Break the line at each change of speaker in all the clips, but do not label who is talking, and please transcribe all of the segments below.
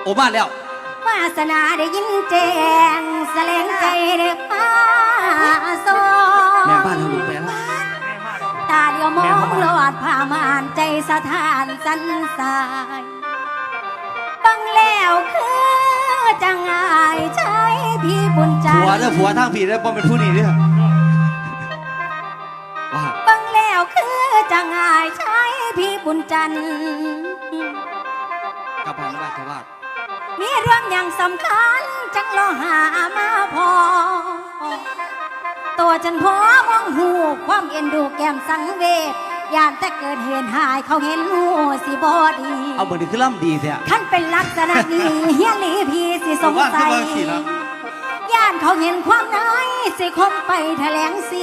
อ้มาแล้ว
วาสนาได้ยินแจ้งแสลงใจเด็กป้าโซ
แม่บ้านเราลูกแม่ละ
ตาเดียวมองลอดผ่ามานใจสถานสันสายบังแล้วคือจังอายใช้พี่บุญจันทร์
ผัวทางผีได้ป้อมเป็นผู้นี้เนี่ยว่า
บังแล้วคือจังอายใช้พี่บุญจันทร์
กับพันว่าจะว่า
มีเรื่องอย่างสำคัญจังรอหามาพอตัวจันพอมองหูความเอ็นดูแก้มสังเวชยานแต่เกิดเหตุหายเขาเห็นหูสิบอดี
เอาเบอร์นี้คือล่ำดีแท้
ท่านเป็นลักษณะนี้เฮียหลีพีสิสงสัยย่านเขาเห็นความน้อยสิคมไปแถลงสิ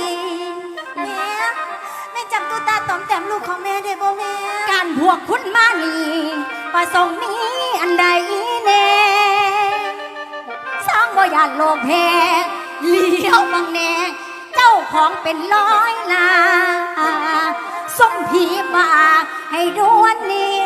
แม่จับตุ๊ตาตอมแต้มลูกของแม่ได้บ่แม่การพวกคุณมานี่ประสงค์นี้อันใดเน่สร้างบ่ยานโลกแพ้เลี้ยวบังแน่เจ้าของเป็นร้อยนาส่งผีมาให้ดวนนี้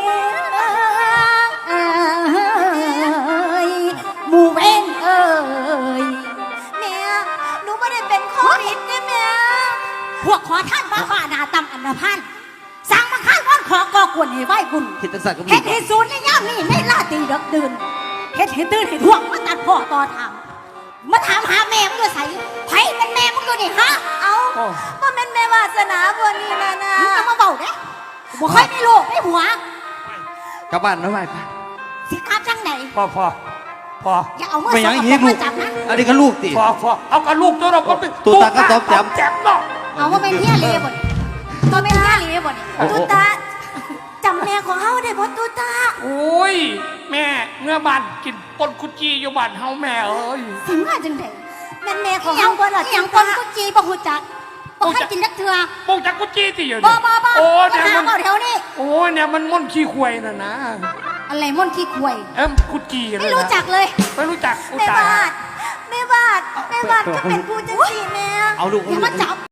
หมู่เว้นเอ้ยแม่หนูไม่ได้เป็นโควิดเนี่ยแม่พวกขอท่านบ้าบ้านาตำอันธพาลสั่งมาข้างก้อนขอก่อกวนให้ไหวบุญ
เฮ็ดจังซั่นก็มี
เฮ็ดให้ศูนย์ในย่ามนี้ในลาตีดึกดื่นเฮ็ดให้ตื่นให้ท่วงมาตัดพ่อต่อทางมาถามหาแม่มึงด้วยใส่ไผเป็นแม่มึงด้วยนี่ฮะเอาว่าเป็นแม่วาสนาบัวนี่นะมึงจะมาเบาเด้บ่ค่อยมีลูกไม่หัว
กลับบ้านแล้วไป
สิกลับจังไหน
พอ
อย่าเอามือ
ไม่ยังอีกลูกอันนี้ก็ลูกติ
พอเอากับลูกตัวเราก็เป็น
ตัวตาก็ตอบ
แจมเนาะ
เอาว่าเป็นเฮียลีบ่ตัวเป็นเฮียลีบ่ตุตาจำแม่ของเฮาได้บ่ตุตา
โอ้ยแม่เมื่อบ้านกินปนกุจีอยู่บ้านเฮาแม่เอ้ย
สิมาจังได๋แม่ของเฮาบ่ล่ะอย่างปนกุจีบ่ฮู้จักบ่เคยกินจักเทื่อ
บ่จักกุจีติอยู่
บ่
โอ้เนี่ย
มันแถวนี้
โอ้เนี่ยมันม่อนขี้ควายน่ะนะ
อะไรม่อนขี้ควาย
กุจี
ไม่รู้จักเลย
ไม่รู้จัก
แม่บาดก็เป็นผู้จังซี่แม่
เอาลูก
อย่ามาจับ